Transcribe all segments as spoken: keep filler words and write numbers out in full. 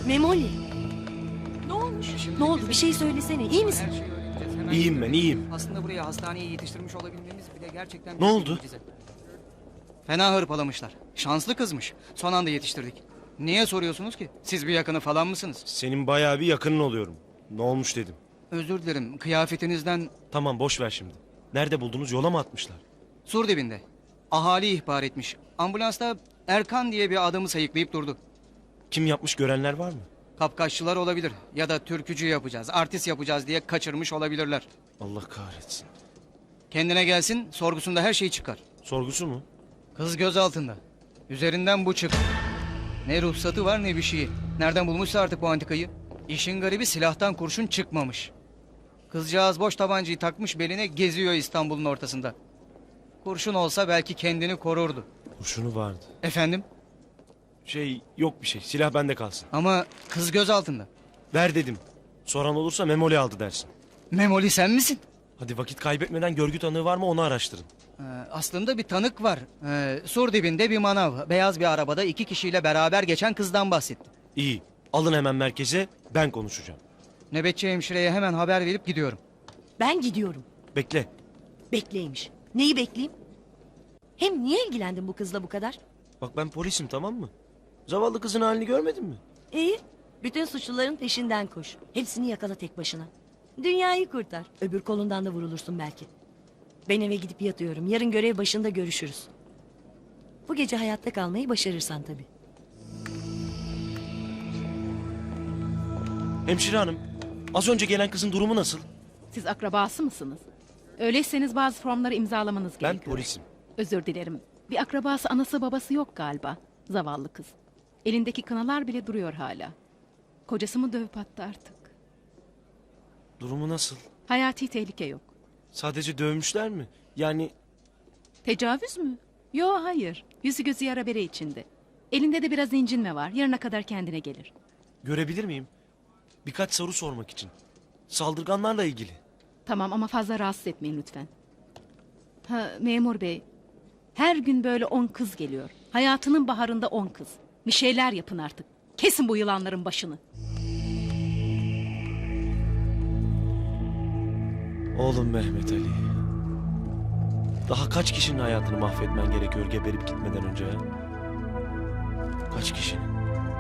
Memoli. Ne olmuş? Şimdi Ne oldu? bize- Bir şey söylesene. İyi misin? Her şeyi öğreneceğiz. Hemen İyiyim gidiyoruz. ben, iyiyim. Aslında buraya hastaneye yetiştirmiş olabilmemiz bile gerçekten... Ne büyük bir oldu? mucize. Fena hırpalamışlar. Şanslı kızmış. Son anda yetiştirdik. Niye soruyorsunuz ki? Siz bir yakını falan mısınız? Senin bayağı bir yakının oluyorum. Ne olmuş dedim. Özür dilerim. Kıyafetinizden Tamam, boş ver şimdi. Nerede buldunuz, yola mı atmışlar? sur dibinde. Ahali ihbar etmiş. Ambulansta Erkan diye bir adamı sayıklayıp durdu. Kim yapmış, görenler var mı? Kapkaççılar olabilir. Ya da türkücü yapacağız, artist yapacağız diye kaçırmış olabilirler. Allah kahretsin. Kendine gelsin, sorgusunda her şey çıkar. Sorgusu mu? Kız göz altında. Üzerinden bu çık. Ne ruhsatı var ne bir şeyi. Nereden bulmuşsa artık bu antikayı. İşin garibi silahtan kurşun çıkmamış. Kızcağız boş tabancayı takmış beline geziyor İstanbul'un ortasında. Kurşun olsa belki kendini korurdu. Kurşunu vardı. Efendim? Şey, yok bir şey. Silah bende kalsın. Ama kız göz altında. Ver dedim. Soran olursa Memoli aldı dersin. Memoli sen misin? Hadi vakit kaybetmeden görgü tanığı var mı onu araştırın. Ee, aslında bir tanık var. Ee, sur dibinde bir manav. Beyaz bir arabada iki kişiyle beraber geçen kızdan bahsetti. İyi. Alın hemen merkeze, ben konuşacağım. Nöbetçi hemşireye hemen haber verip gidiyorum. Ben gidiyorum. Bekle. Bekleymiş. Neyi bekleyeyim? Hem niye ilgilendin bu kızla bu kadar? Bak ben polisim, tamam mı? Zavallı kızın halini görmedin mi? İyi. Bütün suçluların peşinden koş. Hepsini yakala tek başına. Dünyayı kurtar. Öbür kolundan da vurulursun belki. Ben eve gidip yatıyorum. Yarın görev başında görüşürüz. Bu gece hayatta kalmayı başarırsan tabii. Hemşire hanım, az önce gelen kızın durumu nasıl? Siz akrabası mısınız? Öyleyseniz bazı formları imzalamanız Ben gerekiyor. polisim. Özür dilerim. Bir akrabası anası babası yok galiba. Zavallı kız. Elindeki kınalar bile duruyor hala. Kocası mı dövüp attı artık? Durumu nasıl? Hayati tehlike yok. Sadece dövmüşler mi? Yani Tecavüz mü? Yo hayır. Yüzü gözü yara bere içinde. Elinde de biraz incinme var. Yarına kadar kendine gelir. görebilir miyim? Birkaç soru sormak için. Saldırganlarla ilgili. Tamam ama fazla rahatsız etmeyin lütfen. Ha, memur bey. Her gün böyle on kız geliyor. Hayatının baharında on kız. Bir şeyler yapın artık. Kesin bu yılanların başını. Oğlum Mehmet Ali. Daha kaç kişinin hayatını mahvetmen gerekiyor geberip gitmeden önce ya? Kaç kişinin?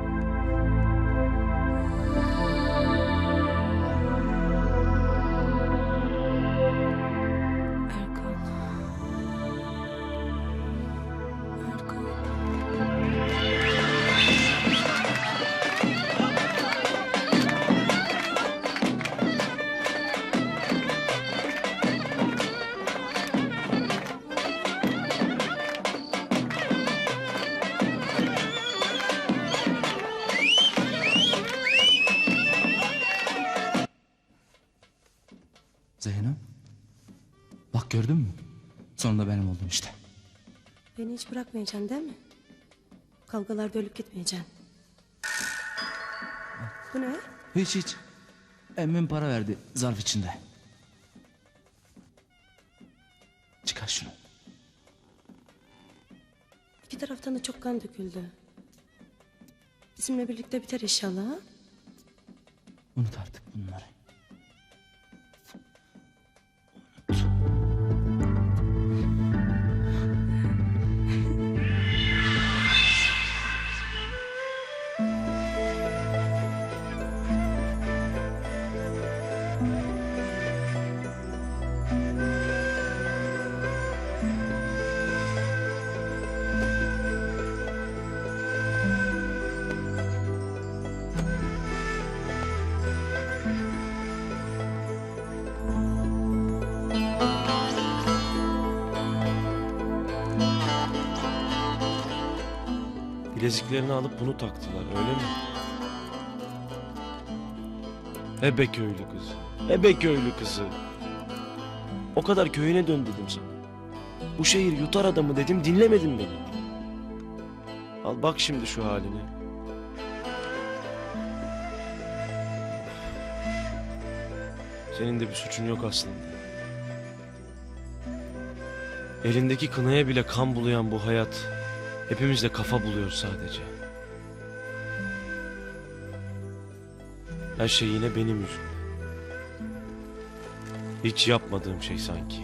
Erkan. Erkan. Zeyno. Bak gördün mü? Sonunda benim oldum işte. Beni hiç bırakmayacaksın değil mi? Kavgalarda ölüp gitmeyeceksin. Bu ne? Hiç hiç. Emmim para verdi zarf içinde. Çıkar şunu. İki taraftan da çok kan döküldü. Bizimle birlikte biter inşallah. Ha? Unut artık bunları. Bileziklerini alıp bunu taktılar, öyle mi? Ebe köylü kızı. Ebe köylü kızı. O kadar köyüne dön dedim sana. Bu şehir yutar adamı dedim, dinlemedin beni. Al bak şimdi şu haline. Senin de bir suçun yok aslında. Elindeki kınaya bile kan bulayan bu hayat hepimizde kafa buluyor sadece. Her şey yine benim yüzümden. Hiç yapmadığım şey sanki.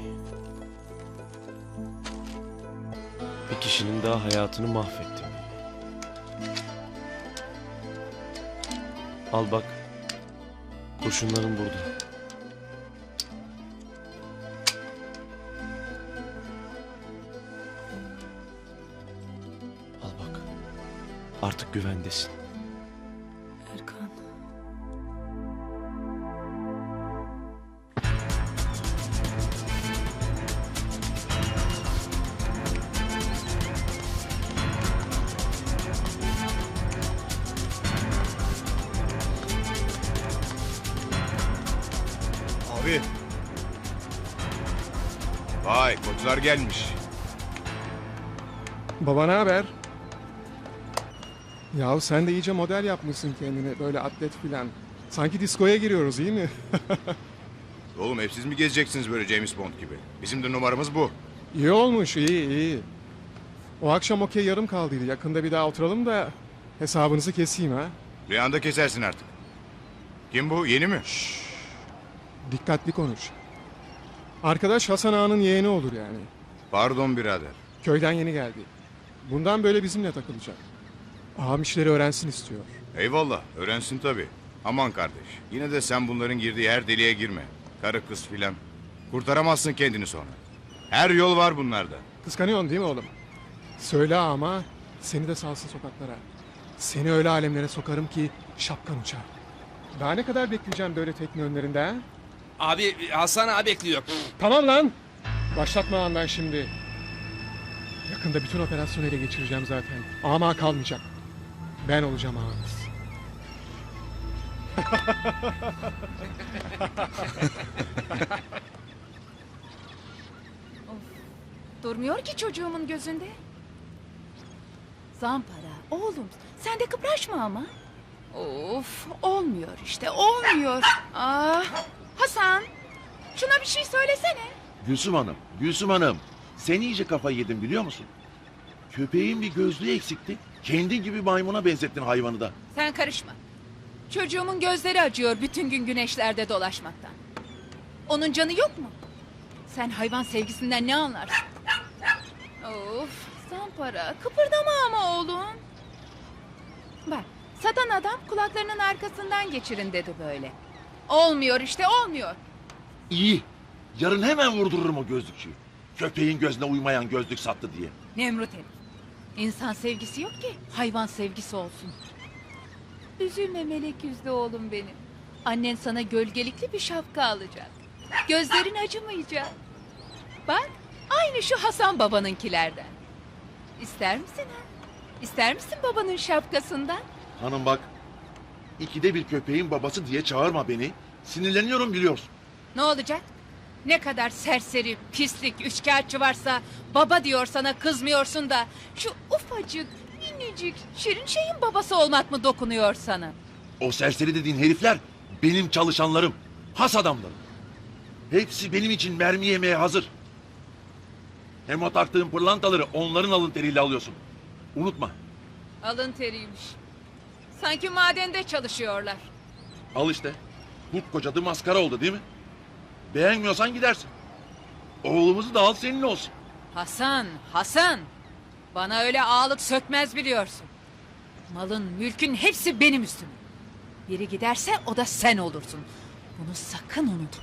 Bir kişinin daha hayatını mahvettim. Al bak. Kurşunların burada. Al bak. Artık güvendesin. Erkan. Abi. Vay koçlar gelmiş. Baba ne haber? Yahu sen de iyice model yapmışsın kendine böyle atlet filan. Sanki diskoya giriyoruz iyi mi? Oğlum hep siz mi gezeceksiniz böyle James Bond gibi? Bizim de numaramız bu. İyi olmuş iyi iyi. O akşam okey yarım kaldıydı. Yakında bir daha oturalım da hesabınızı keseyim ha. Rüyanda kesersin artık. Kim bu? Yeni mi? Dikkatli konuş. Arkadaş Hasan Ağa'nın yeğeni olur yani. Pardon birader. Köyden yeni geldi. Bundan böyle bizimle takılacak. Ağam işleri öğrensin istiyor. Eyvallah öğrensin tabii. Aman kardeş. Yine de sen bunların girdiği her deliğe girme. Karı kız filan. Kurtaramazsın kendini sonra. Her yol var bunlarda. Kıskanıyorsun değil mi oğlum? Söyle ama seni de salsın sokaklara. Seni öyle alemlere sokarım ki şapkan uçar. Daha ne kadar bekleyeceğim böyle tekne önlerinde ha? Abi Hasan abi bekliyor. Tamam lan. Başlatma lan ben şimdi. Yakında bütün operasyonu ele geçireceğim zaten. Ama kalmayacak. Ben olacağım ağanız. Durmuyor ki çocuğumun gözünde. Zampara, oğlum sen de kıpraşma ama. Of, olmuyor işte, olmuyor. Ah, Hasan, şuna bir şey söylesene. Gülsüm Hanım, Gülsüm Hanım. Sen iyice kafayı yedin biliyor musun? Köpeğin bir gözlüğü eksikti. Kendin gibi maymuna benzettin hayvanı da. Sen karışma. Çocuğumun gözleri acıyor bütün gün güneşlerde dolaşmaktan. Onun canı yok mu? Sen hayvan sevgisinden ne anlarsın? Of, Zampara, kıpırdama ama oğlum. Bak, satan adam kulaklarının arkasından geçirin dedi böyle. Olmuyor işte, olmuyor. İyi. Yarın hemen vurdururum o gözlükçüyü. Köpeğin gözüne uymayan gözlük sattı diye. Nemrut herif. İnsan sevgisi yok ki hayvan sevgisi olsun. Üzülme melek yüzlü oğlum benim. Annen sana gölgelikli bir şapka alacak. Gözlerin acımayacak. Bak aynı şu Hasan babanınkilerden. İster misin ha? İster misin babanın şapkasından? Hanım bak. İkide bir köpeğin babası diye çağırma beni. Sinirleniyorum biliyorsun. Ne olacak? Ne kadar serseri, pislik, üçkağıtçı varsa baba diyor sana kızmıyorsun da şu ufacık, minicik, şirin şeyin babası olmak mı dokunuyor sana? O serseri dediğin herifler benim çalışanlarım. Has adamlarım. Hepsi benim için mermi yemeye hazır. Hem o taktığın pırlantaları onların alın teriyle alıyorsun. Unutma. Alın teriymiş. Sanki madende çalışıyorlar. Al işte. Kurt kocadı maskara oldu değil mi? Beğenmiyorsan gidersin. Oğlumuzu da al senin olsun. Hasan, Hasan. Bana öyle ağalık sökmez biliyorsun. Malın, mülkün hepsi benim üstüme. Biri giderse o da sen olursun. Bunu sakın unutma.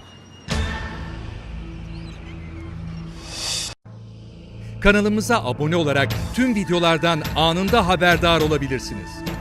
Kanalımıza abone olarak tüm videolardan anında haberdar olabilirsiniz.